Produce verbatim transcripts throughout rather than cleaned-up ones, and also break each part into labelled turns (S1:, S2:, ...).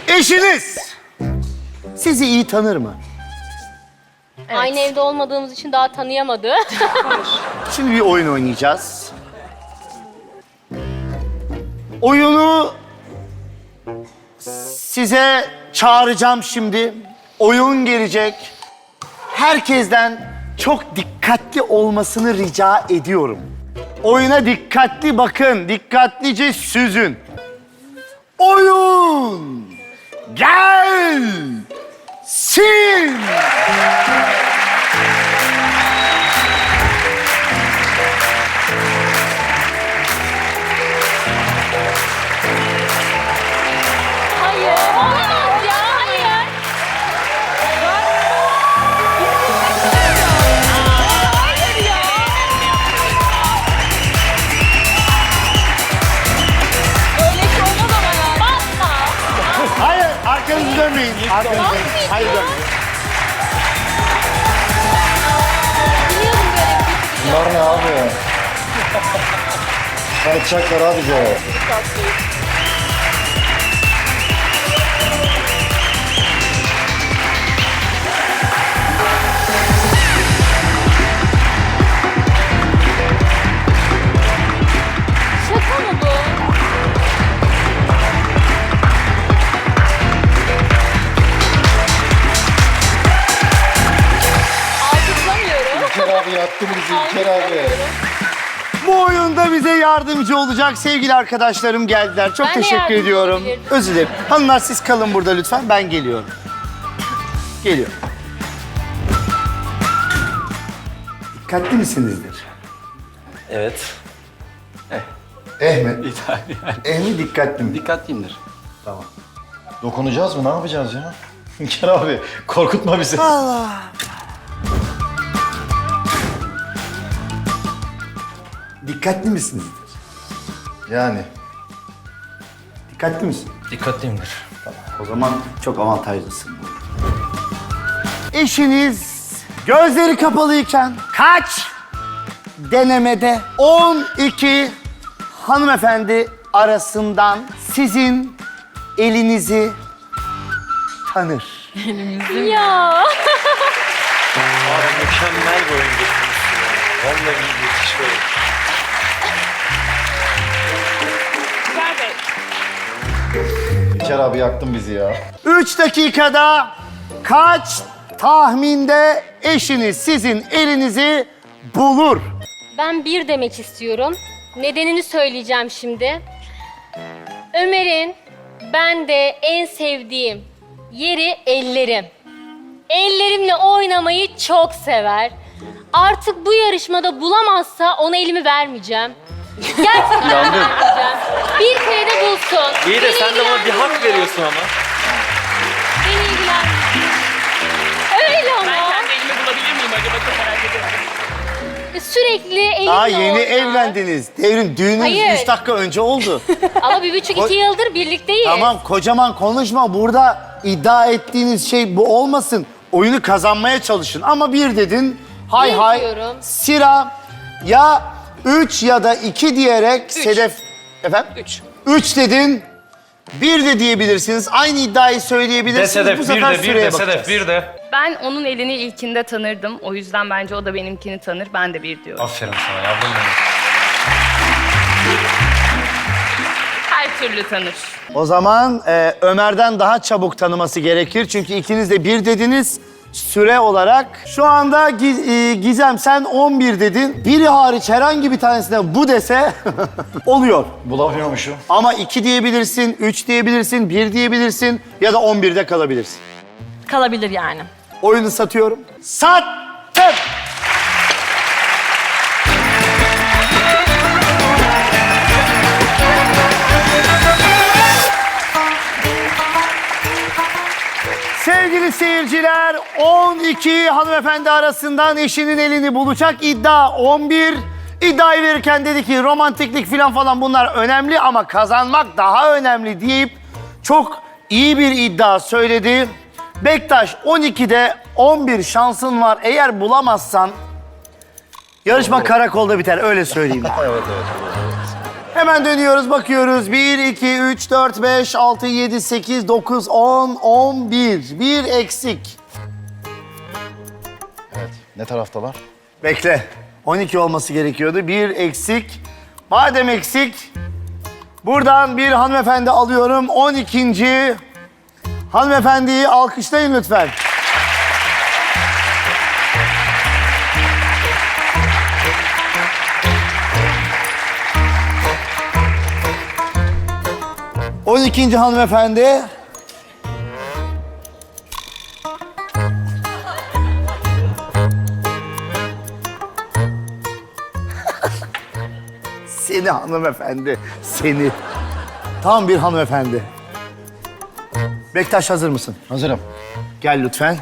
S1: Eşiniz sizi iyi tanır mı?
S2: Evet.
S3: Aynı evde olmadığımız için daha tanıyamadı.
S1: Şimdi bir oyun oynayacağız. Oyunu size çağıracağım şimdi. Oyun gelecek. Herkesten çok dikkatli olmasını rica ediyorum. Oyuna dikkatli bakın, dikkatlice süzün. Oyun gelsin.
S3: Hayır, olamaz ya, hayır. Hayır ya. Öyle şey olmaz ama ya. Basma.
S1: Hayır, arkanızı dönmeyin. Arkanızı dönmeyin. Hayır, dönmeyin.
S3: Biliyordum böyle bir şey.
S4: Bunlar ne abi? Kaçacaklar abi bize.
S3: Şaka mı bu? Alkışlamıyorum.
S4: İlker abi yaktı bizi İlker abi.
S1: Bu oyunda bize yardımcı olacak sevgili arkadaşlarım geldiler. Çok
S3: Ben de
S1: teşekkür
S3: yardımcı
S1: ediyorum.
S3: olabilirdim.
S1: Özür dilerim. Hanımlar siz kalın burada lütfen. Ben geliyorum. Geliyorum. Dikkatli misinizdir?
S5: Evet.
S1: Eh mi?
S5: İdeal yani.
S1: Eh mi dikkatli mi?
S5: Dikkatliyimdir.
S1: Tamam.
S4: Dokunacağız mı? Ne yapacağız ya? İlker abi korkutma bizi.
S1: Allah. Dikkatli misinizdir?
S4: Yani.
S1: Dikkatli misin?
S5: Dikkatliyimdir.
S1: O zaman çok avantajlısın. Eşiniz gözleri kapalıyken kaç denemede on iki hanımefendi arasından sizin elinizi tanır?
S3: Ya.
S5: Abi mükemmel bir oyun getirmişsin ya. Vallahi iyi geçiş böyle.
S4: İlker abi yaktın bizi ya.
S1: Üç dakikada kaç tahminde eşiniz sizin elinizi bulur?
S3: Ben bir demek istiyorum. Nedenini söyleyeceğim şimdi. Ömer'in ben de en sevdiğim yeri ellerim. Ellerimle oynamayı çok sever. Artık bu yarışmada bulamazsa ona elimi vermeyeceğim. Gerçekten vermeyeceğim. Bir kere de bulsun.
S5: İyi de
S3: Beni
S5: sen de bana bir hak
S3: ilgilendirmiyor.
S5: veriyorsun ama.
S3: Beni ilgilendirmiyor. Öyle ama.
S6: Ben kendi elimi bulabilir miyim acaba, çok merak ediyorum.
S3: Sürekli elimle
S1: Daha yeni
S3: oynar.
S1: evlendiniz. Devrim düğününüz
S3: Hayır.
S1: üç dakika önce oldu.
S3: Ama bir buçuk iki yıldır birlikteyiz.
S1: Tamam kocaman konuşma. Burada iddia ettiğiniz şey bu olmasın. Oyunu kazanmaya çalışın. Ama bir dedin. Hay
S3: Bir
S1: hay.
S3: diyorum.
S1: Sira ya üç ya da iki diyerek Sedef... Efendim?
S6: Üç.
S1: Üç dedin. Bir de diyebilirsiniz. Aynı iddiayı söyleyebilirsiniz.
S7: De Sedef,
S1: Bu
S7: bir
S1: sefer
S7: de, bir
S1: süreye
S7: de, Sedef,
S1: bakacağız.
S7: bir de.
S6: Ben onun elini ilkinde tanırdım. O yüzden bence o da benimkini tanır. Ben de bir diyorum.
S7: Aferin sana yavrum benim.
S6: Her türlü tanır.
S1: O zaman e, Ömer'den daha çabuk tanıması gerekir. Çünkü ikiniz de bir dediniz süre olarak. Şu anda Giz- e, Gizem sen on bir dedin. Biri hariç herhangi bir tanesine bu dese oluyor.
S4: Bulamıyormuşum.
S1: Ama iki diyebilirsin, üç diyebilirsin, bir diyebilirsin ya da on birde kalabilirsin.
S2: Kalabilir yani.
S1: Oyunu satıyorum. Sattım. Sevgili seyirciler, on iki hanımefendi arasından eşinin elini bulacak iddia on bir. İddiayı verirken dedi ki romantiklik falan falan bunlar önemli ama kazanmak daha önemli deyip çok iyi bir iddia söyledi. Bektaş on ikide on bir şansın var. Eğer bulamazsan yarışma karakolda biter öyle söyleyeyim.
S4: Evet evet.
S1: Hemen dönüyoruz, bakıyoruz. bir, iki, üç, dört, beş, altı, yedi, sekiz, dokuz, on, on bir. Bir eksik.
S4: Evet. Ne taraftalar?
S1: Bekle. on iki olması gerekiyordu. Bir eksik. Madem eksik, buradan bir hanımefendi alıyorum. on ikinci hanımefendiyi alkışlayın lütfen. on ikinci hanımefendi. Seni hanımefendi, seni. Tam bir hanımefendi. Bektaş hazır mısın?
S4: Hazırım.
S1: Gel lütfen.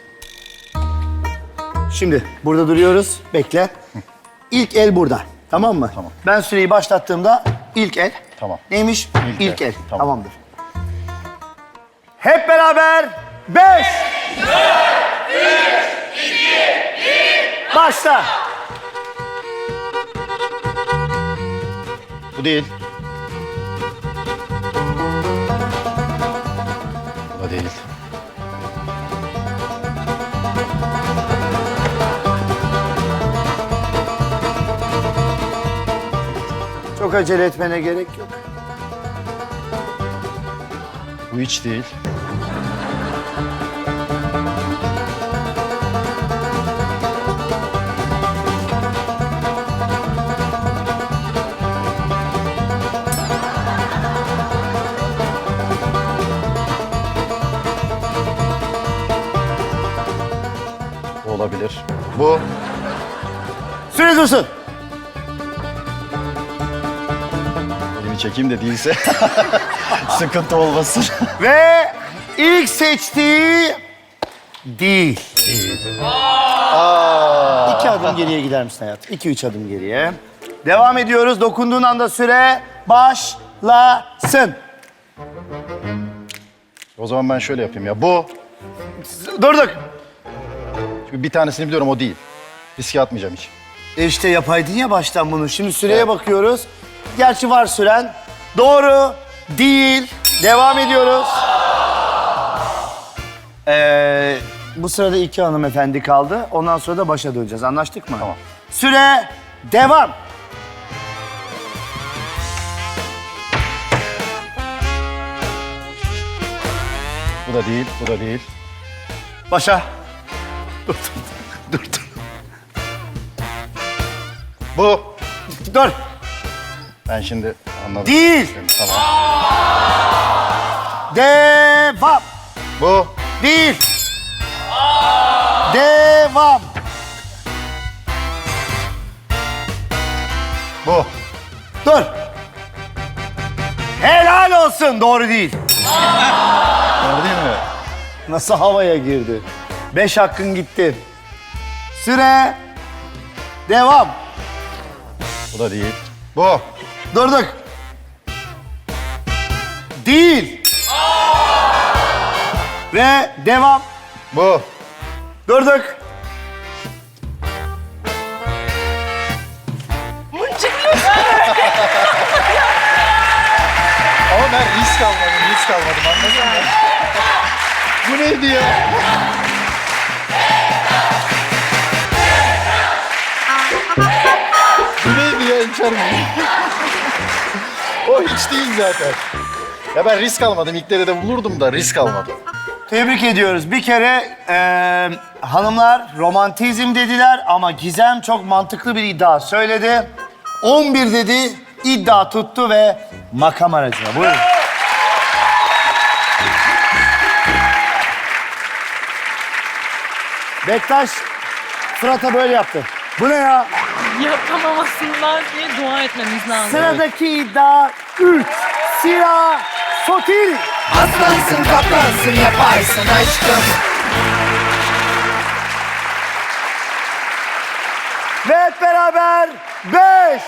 S1: Şimdi burada duruyoruz. Bekle. İlk el burada. Tamam mı?
S4: Tamam.
S1: Ben süreyi başlattığımda ilk el.
S4: Tamam.
S1: Neymiş?
S4: İlk
S1: İlk,
S4: el.
S1: el.
S4: Tamam.
S1: Tamamdır. Hep beraber beş. Başla.
S4: Bu değil. Bu da değil.
S1: Çok acele etmene gerek yok.
S4: Bu hiç değil. Bu olabilir. Bu.
S1: Süre dursun.
S4: Elimi çekeyim de değilse sıkıntı olmasın.
S1: Ve ilk seçtiği değil. İki adım geriye gider misin hayatım? İki, üç adım geriye. Devam ediyoruz. Dokunduğun anda süre başlasın.
S4: O zaman ben şöyle yapayım ya. Bu.
S1: Durduk.
S4: Çünkü bir tanesini biliyorum, o değil. Riske atmayacağım hiç.
S1: E işte yapaydın ya baştan bunu. Şimdi süreye bakıyoruz. Gerçi var süren. Doğru değil. Devam ediyoruz. Ee, bu sırada iki hanımefendi kaldı. Ondan sonra da başa döneceğiz. Anlaştık mı?
S4: Tamam.
S1: Süre devam.
S4: Bu da değil, bu da değil.
S1: Başa. Dur, dur, dur.
S4: Bu.
S1: Dur.
S4: Ben şimdi anladım.
S1: Değil.
S4: Tamam.
S1: Devam.
S4: Bu.
S1: Değil. Devam.
S4: Bu.
S1: Dur. Helal olsun. Doğru değil.
S4: Doğru değil mi?
S1: Nasıl havaya girdi? Beş hakkın gitti. Süre devam.
S4: Bu da değil. Bu.
S1: Durduk. Değil. Ve devam.
S4: Bu.
S1: Durduk.
S4: Ama ben risk almadım, risk almadım. Anladın mı? Bu neydi ya? Bu neydi ya İlker Bey? O hiç değil zaten. Ya ben risk almadım. İlk de bulurdum da risk almadım.
S1: Tebrik ediyoruz. Bir kere eee, hanımlar romantizm dediler ama Gizem çok mantıklı bir iddia söyledi. on bir dedi, iddia tuttu ve makam aracına. Buyurun. Bektaş Fırat'a böyle yaptı. Bu ne ya?
S2: Yapamamasınlar diye dua etmemiz lazım.
S1: Sıradaki iddia üç. Sira Sotil.
S7: Aslansın kaplansın yaparsın aşkım.
S1: Ve hep beraber beş.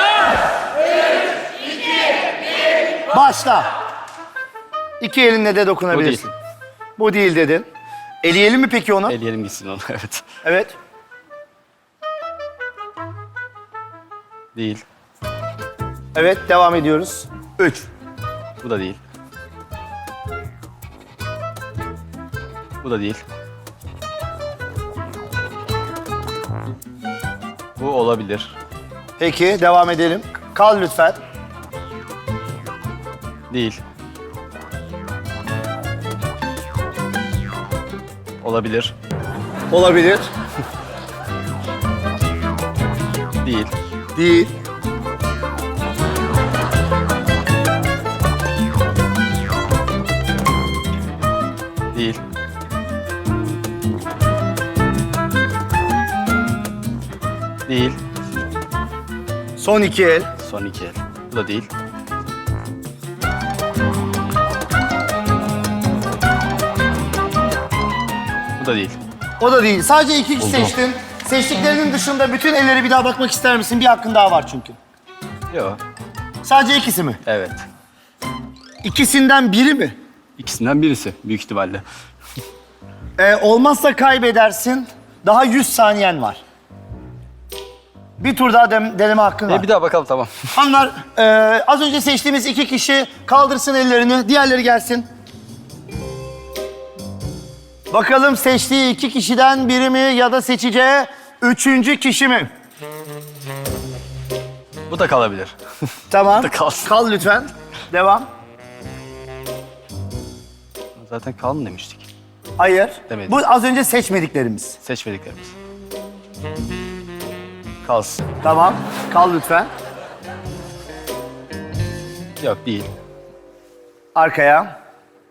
S1: Başla. İki elinle de dokunabilirsin. Bu değil dedin. Eleyelim mi peki onu?
S8: Eleyelim gitsin onu, evet.
S1: Evet.
S8: Değil.
S1: Evet, devam ediyoruz. Üç.
S8: Bu da değil. Bu da değil. Bu olabilir.
S1: Peki, devam edelim. Kal lütfen.
S8: Değil. Olabilir.
S1: Olabilir.
S8: Değil.
S1: Değil.
S8: Değil. Değil.
S1: Son iki el.
S8: Son iki el. Bu da değil. Bu da değil.
S1: O da değil. Sadece iki kişi
S8: Buldum.
S1: seçtin. Seçtiklerinin dışında bütün ellere bir daha bakmak ister misin? Bir hakkın daha var çünkü.
S8: Yok.
S1: Sadece ikisi mi?
S8: Evet.
S1: İkisinden biri mi?
S8: İkisinden birisi büyük ihtimalle.
S1: Ee, olmazsa kaybedersin. Daha yüz saniyen var. Bir tur daha dem- deneme hakkın var.
S8: E, bir daha bakalım tamam.
S1: Hanımlar, e, az önce seçtiğimiz iki kişi kaldırsın ellerini. Diğerleri gelsin. Bakalım seçtiği iki kişiden biri mi ya da seçeceği üçüncü kişi mi?
S8: Bu da kalabilir.
S1: Tamam.
S8: da kalsın.
S1: Kal lütfen. Devam.
S8: Zaten kalın demiştik.
S1: Hayır.
S8: Demedim.
S1: Bu az önce seçmediklerimiz.
S8: Seçmediklerimiz. Kalsın.
S1: Tamam. Kal lütfen.
S8: Yok değil.
S1: Arkaya.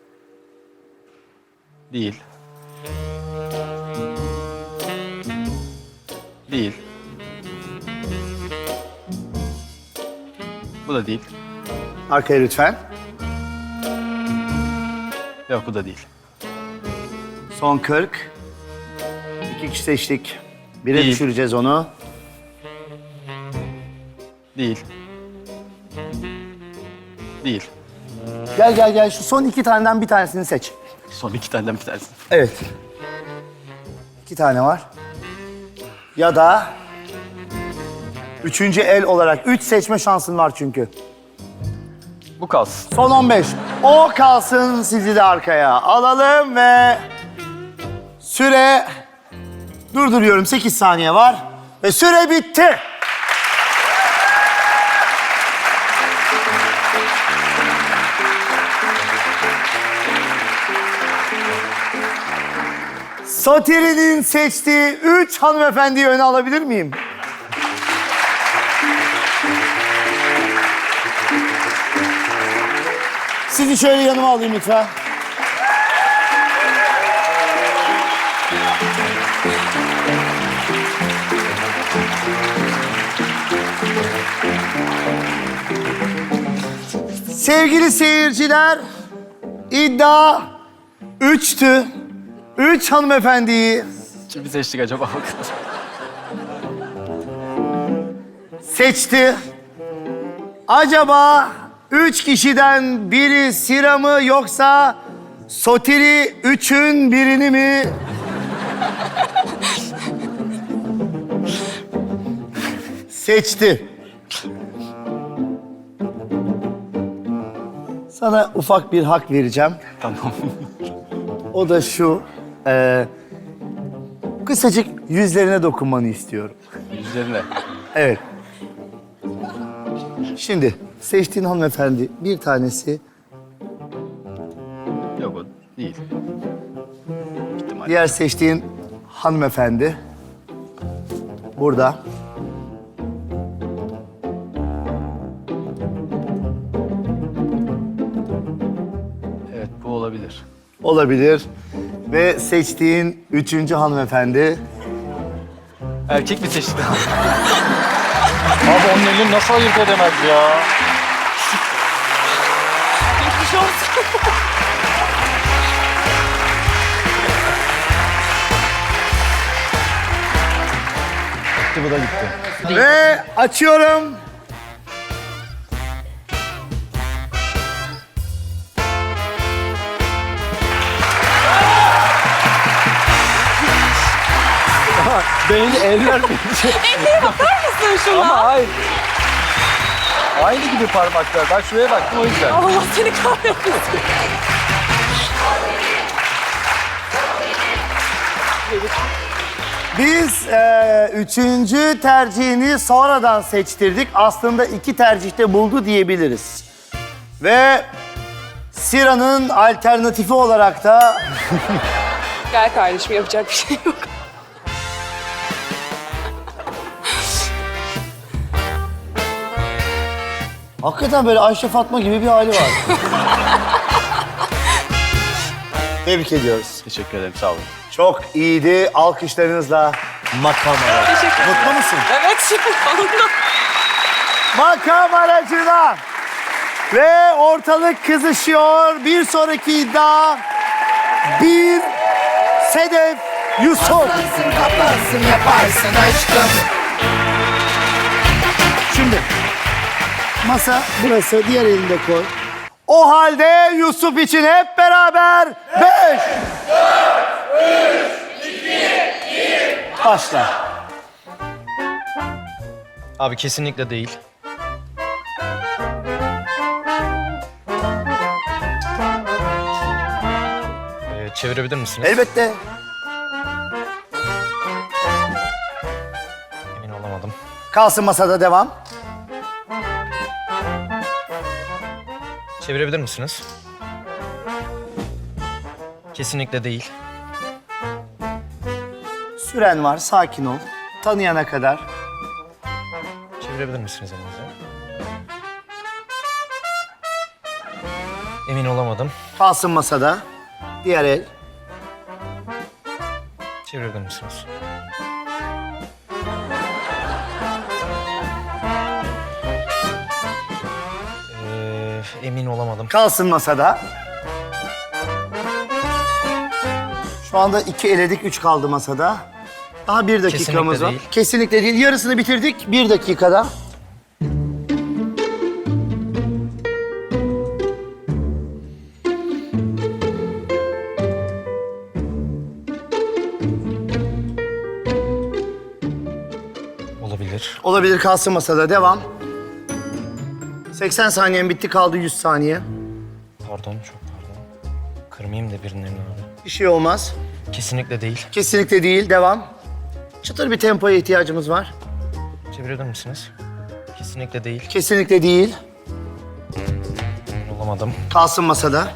S8: Değil. Değil. Bu da değil.
S1: Arkaya lütfen.
S8: Yok bu da değil.
S1: Son kırk. İki kişi seçtik. Bire
S8: Değil.
S1: düşüreceğiz onu.
S8: Değil. Değil.
S1: Gel gel gel. Şu son iki taneden bir tanesini seç.
S8: Son iki taneden bir tanesi.
S1: Evet. İki tane var. Ya da üçüncü el olarak üç seçme şansın var çünkü.
S8: Bu kalsın.
S1: Son on beş. O kalsın, sizi de arkaya alalım ve süre durduruyorum. sekiz saniye var ve süre bitti. Sotiri'nin seçtiği üç hanımefendiyi öne alabilir miyim? Sizi şöyle yanıma alayım lütfen. Sevgili seyirciler, iddia üçtü. Üç hanımefendiyi
S8: Kimi seçtik acaba bakalım.
S1: seçti. Acaba üç kişiden biri Sira mı yoksa Sotiri üçün birini mi? Seçti. Sana ufak bir hak vereceğim.
S8: Tamam.
S1: O da şu. E, kısacık yüzlerine dokunmanı istiyorum.
S8: Üzerine.
S1: Evet. Şimdi seçtiğin hanımefendi bir tanesi,
S8: Yok o değil. İhtimal.
S1: diğer seçtiğin hanımefendi burada.
S8: Evet bu olabilir.
S1: Olabilir. Ve seçtiğin üçüncü hanımefendi
S8: Erkek mi seçti?
S4: Abi onun elini nasıl ayırt edemez ya?
S2: Geçmiş olsun.
S4: Gitti bu da gitti.
S1: ve açıyorum.
S8: Beni eller mi?
S2: Ellere bakar mısın şuna?
S8: Ama hayır. Aynı gibi parmaklar. Ben şuraya baktım o yüzden.
S2: Allah seni kahretsin.
S1: Biz e, üçüncü tercihini sonradan seçtirdik. Aslında iki tercihte buldu diyebiliriz. Ve Sira'nın alternatifi olarak da
S2: Gel kardeşim, yapacak bir şey yok.
S1: hakikaten böyle Ayşe Fatma gibi bir hali var. Tebrik ediyoruz.
S8: Teşekkür ederim, sağ olun.
S1: Çok iyiydi. Alkışlarınızla makam aracı.
S2: Teşekkür ederim.
S1: Mutlu musun?
S2: Evet, şimdi oldu.
S1: Makam aracına. Ve ortalık kızışıyor. Bir sonraki iddia. Bir Sedef Yusuf.
S7: Aslansın kaplansın yaparsın aşkım.
S1: Şimdi masa burası. Diğer elinde koy. O halde Yusuf için hep beraber beş, dört, üç, iki, bir. Başla.
S5: Abi kesinlikle değil. Ee, çevirebilir misiniz?
S1: Elbette.
S5: Emin olamadım.
S1: Kalsın masada, devam.
S5: Çevirebilir misiniz? Kesinlikle değil.
S1: Süren var, sakin ol. Tanıyana kadar.
S5: Çevirebilir misiniz elinizi? Emin olamadım.
S1: Kalsın masada. Diğer el.
S5: Çevirebilir misiniz? Ee, emin olamadım.
S1: Kalsın masada. Şu anda iki eledik, üç kaldı masada. Daha bir dakikamız
S5: Kesinlikle
S1: var.
S5: değil.
S1: Kesinlikle değil. Yarısını bitirdik. Bir dakikada.
S5: Olabilir.
S1: Olabilir, kalsın masada. Devam. seksen saniyen bitti, kaldı yüz saniye.
S5: Pardon, çok pardon. Kırmayayım da birilerinin abi.
S1: Bir şey olmaz.
S5: Kesinlikle değil.
S1: Kesinlikle değil. Devam. Çıtır bir tempoya ihtiyacımız var.
S5: Çevirebilir misiniz? Kesinlikle değil.
S1: Kesinlikle değil.
S5: Emin olamadım.
S1: Kalsın masada.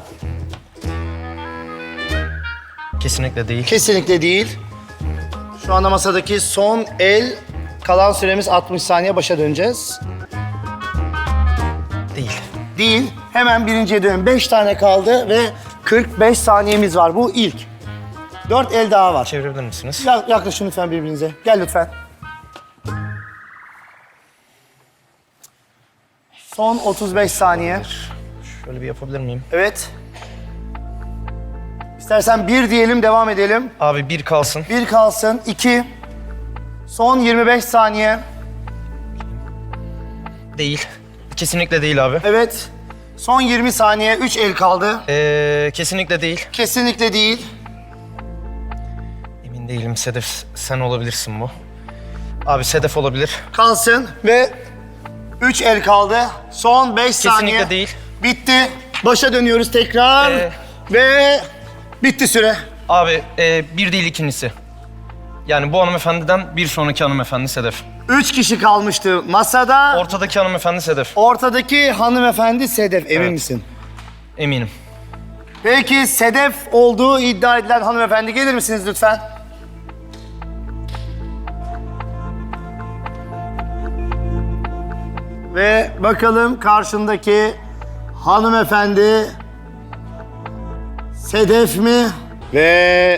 S5: Kesinlikle değil.
S1: Kesinlikle değil. Şu anda masadaki son el, kalan süremiz altmış saniye, başa döneceğiz.
S5: Değil.
S1: Değil. Hemen birinciye dönün. beş tane kaldı ve kırk beş saniyemiz var. Bu ilk. dört el daha var.
S5: Çevirebilir misiniz?
S1: Ya- Yaklaşın lütfen birbirinize. Gel lütfen. Son otuz beş saniye.
S5: Şöyle bir yapabilir miyim?
S1: Evet. İstersen bir diyelim, devam edelim.
S5: Abi bir kalsın.
S1: Bir kalsın. İki. Son yirmi beş saniye.
S5: Değil. Kesinlikle değil abi.
S1: Evet. Son yirmi saniye. Üç el kaldı.
S5: Ee, kesinlikle değil.
S1: Kesinlikle değil.
S5: Emin değilim. Sedef sen olabilirsin bu. Abi Sedef olabilir.
S1: Kalsın ve üç el kaldı. Son beş saniye.
S5: Kesinlikle değil.
S1: Bitti. Başa dönüyoruz tekrar.
S5: Ee.
S1: Ve bitti süre.
S5: Abi e, bir değil ikincisi. Yani bu hanımefendiden bir sonraki hanımefendi Sedef.
S1: Üç kişi kalmıştı masada.
S5: Ortadaki hanımefendi Sedef.
S1: Ortadaki hanımefendi Sedef. Emin
S5: Evet.
S1: misin?
S5: Eminim.
S1: Peki Sedef olduğu iddia edilen hanımefendi gelir misiniz lütfen? Ve bakalım karşındaki hanımefendi Sedef mi? Ve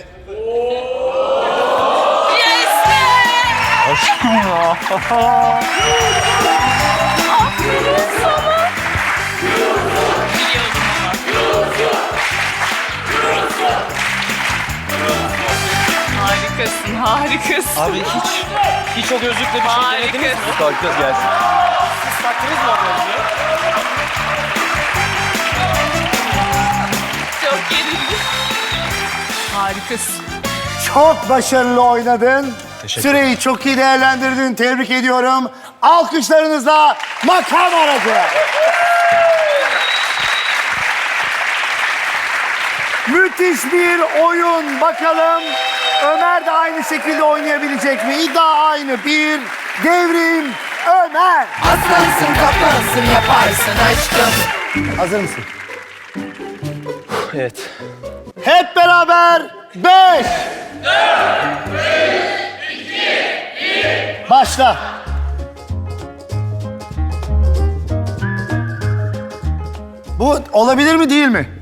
S2: Harikasın, harikasın.
S5: Abi hiç hiç o gözlükle bir şey denediniz mi?
S2: Harikasın.
S8: Kalkacağız gelsin.
S5: Siz taktınız mı o gözlüğü?
S2: Çok gerildim. Harikasın.
S1: çok başarılı oynadın.
S5: Teşekkür
S1: Süreyi çok iyi değerlendirdin. Tebrik ediyorum. Alkışlarınızla makam aracı. Müthiş bir oyun. Bakalım Ömer de aynı şekilde oynayabilecek mi? İddia aynı. Bir, devrim Ömer.
S7: Aslansın kaplansın yaparsın aşkım.
S1: Hazır mısın?
S5: Evet.
S1: Hep beraber beş. Başla. Bu olabilir mi değil mi?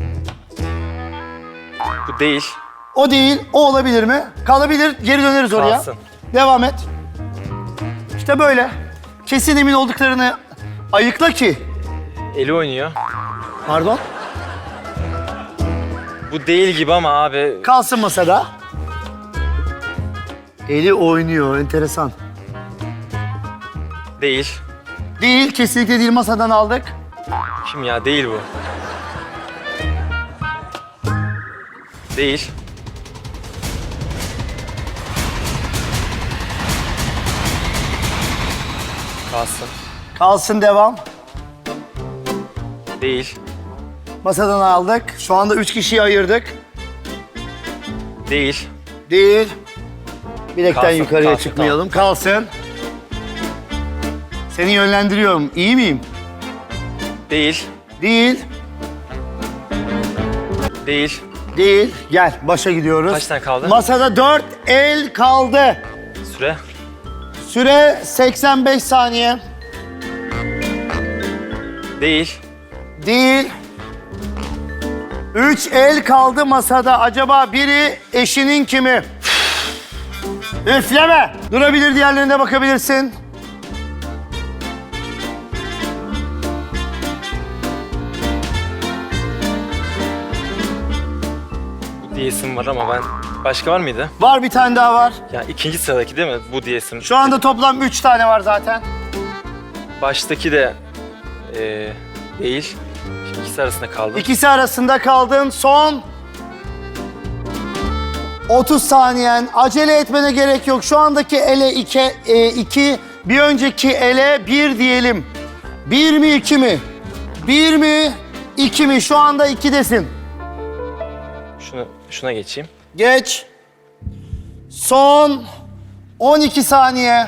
S5: Bu değil.
S1: O değil, o olabilir mi? Kalabilir, geri döneriz oraya.
S5: Kalsın.
S1: Devam et. İşte böyle. Kesin emin olduklarını ayıkla ki.
S5: Eli oynuyor.
S1: Pardon.
S5: Bu değil gibi ama abi.
S1: Kalsın masada. Eli oynuyor, enteresan.
S5: Değil.
S1: Değil, kesinlikle değil, masadan aldık.
S5: Kim ya? Değil bu. Değil. Kalsın.
S1: Kalsın, devam.
S5: Değil.
S1: Masadan aldık. Şu anda üç kişiyi ayırdık.
S5: Değil.
S1: Değil. Bilekten
S5: Kalsın,
S1: yukarıya
S5: kalsın,
S1: çıkmayalım. Kalsın. Seni yönlendiriyorum. İyi miyim?
S5: Değil.
S1: Değil.
S5: Değil.
S1: Değil. Gel, başa gidiyoruz.
S5: Kaç tane kaldı?
S1: Masada dört el kaldı.
S5: Süre.
S1: Süre seksen beş saniye.
S5: Değil.
S1: Değil. Üç el kaldı masada. Acaba biri eşinin kimi? Üfleme. Durabilir, diğerlerine bakabilirsin.
S5: Bu diyesim var ama ben... Başka var mıydı?
S1: Var, bir tane daha var.
S5: Ya ikinci sıradaki değil mi? Bu diyesim.
S1: Şu anda toplam üç tane var zaten.
S5: Baştaki de... eee değil. Şimdi ikisi arasında kaldım.
S1: İkisi arasında kaldın. Son otuz saniyen. Acele etmene gerek yok. Şu andaki ele iki, e, iki, bir önceki ele bir diyelim. Bir mi, iki mi? Bir mi, iki mi? Şu anda ikidesin.
S5: Şunu, şuna geçeyim.
S1: Geç. Son on iki saniye.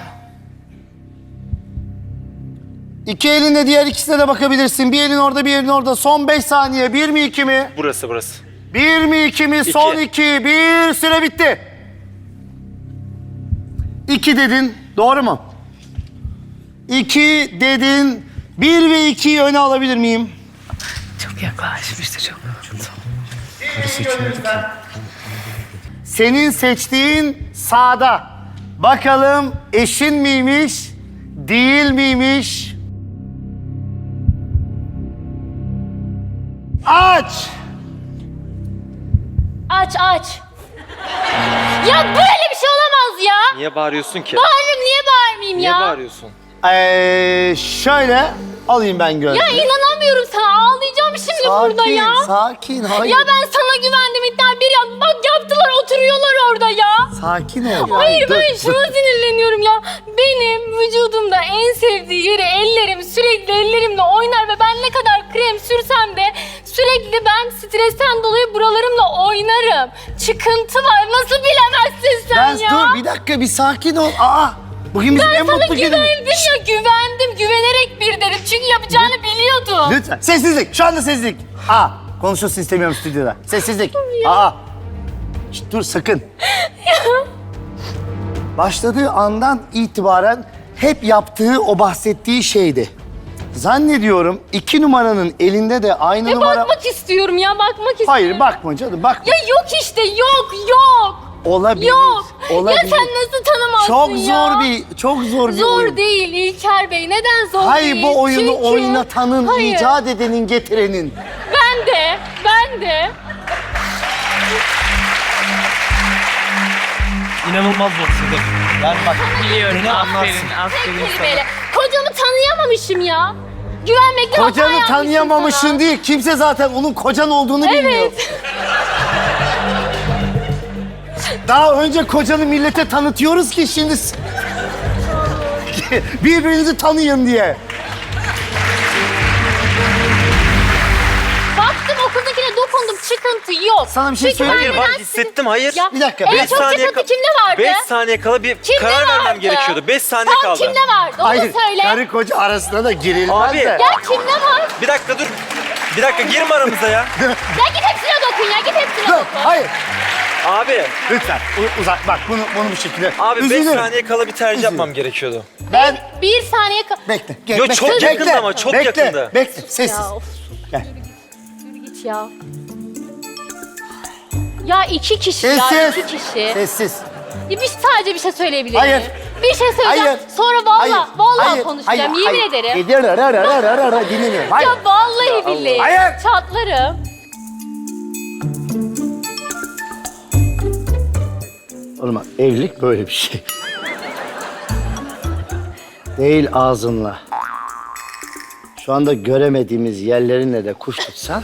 S1: İki elinle diğer ikisine de bakabilirsin. Bir elin orada, bir elin orada. Son beş saniye. Bir mi, iki mi?
S5: Burası burası.
S1: Bir mi, iki mi? Son
S5: İki.
S1: iki. Bir, süre bitti. İki dedin. Doğru mu? İki dedin. Bir ve ikiyi öne alabilir miyim?
S6: Çok yaklaşmıştı çok.
S1: Senin seçtiğin sağda. Bakalım eşin miymiş, değil miymiş? Aç!
S3: Aç aç. Ya böyle bir şey olamaz ya.
S5: Niye bağırıyorsun ki?
S3: Bağırırım, niye bağırmayayım
S5: Niye
S3: ya?
S5: bağırıyorsun?
S1: Ee, şöyle alayım ben gönlünü.
S3: Ya inanamıyorum sana, ağlayacağım şimdi burada ya.
S1: Sakin, hayır.
S3: Ya ben sana güvendim, iddia bir ya. Bak yaptılar, oturuyorlar orada ya.
S1: Sakin ol.
S3: Hayır,
S1: Dur,
S3: ben
S1: dur.
S3: şuna sinirleniyorum ya. Benim vücudumda en sevdiği yeri ellerim, sürekli ellerimle oynar ve ben ne kadar krem sürsem de sürekli ben stresten dolayı buralarımla oynarım. Çıkıntı var, nasıl bilemezsin sen
S1: Ben
S3: ya?
S1: dur bir dakika, bir sakin ol. Aa, bugün bizim en
S3: Sana
S1: mutlu günümüz.
S3: güvendim ya, güvendim. Güvenerek bir dedim çünkü yapacağını biliyordum.
S1: Lütfen. Sessizlik. Şu anda sessizlik. Aa, konuşulsun istemiyorum stüdyoda. Sessizlik. Aa. Şşt, dur sakın. Başladığı andan itibaren hep yaptığı o bahsettiği şeydi. Zannediyorum iki numaranın elinde de aynı
S3: E
S1: numara...
S3: bakmak istiyorum ya, bakmak istiyorum.
S1: Hayır, bakma canım, bakma.
S3: Ya yok işte, yok, yok.
S1: Olabilir.
S3: Yok.
S1: Olabilir.
S3: Ya sen nasıl tanımazsın
S1: Çok
S3: ya?
S1: zor bir, çok zor bir
S3: Zor
S1: oyun.
S3: değil İlker Bey. Neden zor
S1: Hayır,
S3: değil?
S1: bu oyunu
S3: Çünkü...
S1: oynatanın,
S3: Hayır.
S1: icat edenin, getirenin.
S3: Ben de, ben de.
S8: İnanılmaz zor Sıdık. Yani bak
S6: Biliyorum,
S8: beni
S6: aferin,
S8: anlarsın.
S3: Tek
S6: aferin sana.
S3: kelimeyle. Kocamı tanıyamamışım ya. Güvenmekte hata
S1: Kocanı
S3: yapmışım
S1: tanıyamamışsın
S3: sana.
S1: değil. Kimse zaten onun kocan olduğunu bilmiyor.
S3: Evet.
S1: Daha önce kocanı millete tanıtıyoruz ki şimdi... s- Birbirinizi tanıyın diye.
S3: Baktım okuldakine dokundum, çıkıntı yok.
S1: Sana bir şey
S3: Çünkü ben
S1: söyleyeyim
S5: Hayır var
S3: neden sizin-
S5: hissettim hayır.
S3: Ya,
S1: Bir dakika,
S3: En
S1: beş
S3: çok
S5: saniye
S3: çıkıntı
S5: ka-
S3: kimde vardı?
S5: beş saniye kala bir
S3: Kimde
S5: karar vermem
S3: vardı?
S5: gerekiyordu. beş saniye
S3: Tam
S5: kaldı.
S3: kimde vardı? Onu
S1: Hayır,
S3: söyle.
S1: karı koca arasında da girilmez
S5: Abi.
S1: de.
S3: Ya kimde var?
S5: Bir dakika dur. Bir dakika girme aramıza ya.
S3: Ya git hepsine dokun ya, git hepsine
S1: Dur,
S3: dokun.
S1: hayır.
S5: Abi.
S1: Lütfen u- uzak bak bunu bunu bu şekilde.
S5: Abi beş
S1: Üzülürüm.
S5: saniye kala bir tercih yapmam gerekiyordu.
S1: Ben
S3: Bir saniye ka-
S1: bekle. Gel,
S5: Yo,
S1: bekle,
S5: çok
S1: bekle,
S5: yakında ama, çok
S1: bekle,
S5: yakında.
S1: Bekle, sessiz.
S3: Ya of.
S1: Gel.
S3: Yürü git ya. Ya iki kişi ya,
S1: Sessiz.
S3: iki kişi.
S1: Sessiz.
S3: Ya bir sadece bir şey söyleyebilir
S1: Hayır.
S3: miyim? Bir şey söyleyeceğim.
S1: Hayır.
S3: Sonra vallahi,
S1: Hayır,
S3: vallahi
S1: hayır,
S3: konuşacağım.
S1: hayır,
S3: Yemin
S1: hayır.
S3: ederim.
S1: Gidiyor, ara, ara, ara, ara, ara, dinlemiyorum. Hayır.
S3: Ya vallahi billahi.
S1: Hayır.
S3: Çatlarım.
S1: Oğlum bak, evlilik böyle bir şey. Değil ağzınla. Şu anda göremediğimiz yerlerinle de kuş tutsan...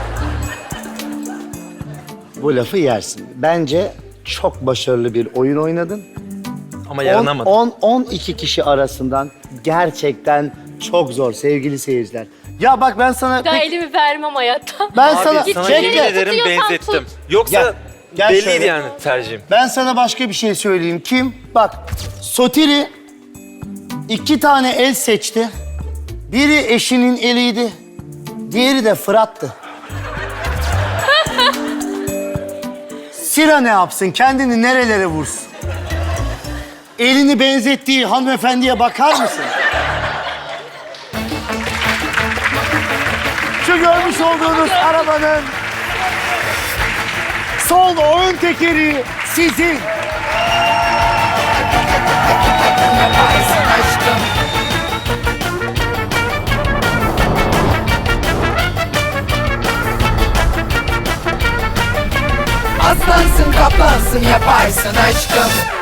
S1: bu lafı yersin. Bence çok başarılı bir oyun oynadın.
S5: Ama yaranamadım.
S1: on on iki kişi arasından gerçekten çok zor sevgili seyirciler. Ya bak ben sana...
S3: Daha
S1: pek-
S3: elimi vermem hayatta.
S1: ben
S5: Abi
S1: sana...
S5: sana
S3: Bekle.
S5: yemin ederim
S3: Tutuyorsan
S5: benzettim.
S3: tut.
S5: Yoksa
S1: Gel, gel
S5: belliydi
S1: şöyle.
S5: yani tercihim.
S1: Ben sana başka bir şey söyleyeyim. Kim? Bak, Sotiri iki tane el seçti. Biri eşinin eliydi, diğeri de Fırat'tı. Sira ne yapsın? Kendini nerelere vursun? Elini benzettiği hanımefendiye bakar mısın? Şu görmüş olduğunuz arabanın sol ön tekeri sizin.
S7: Yaparsın aşkım. Aslansın kaplansın yaparsın aşkım.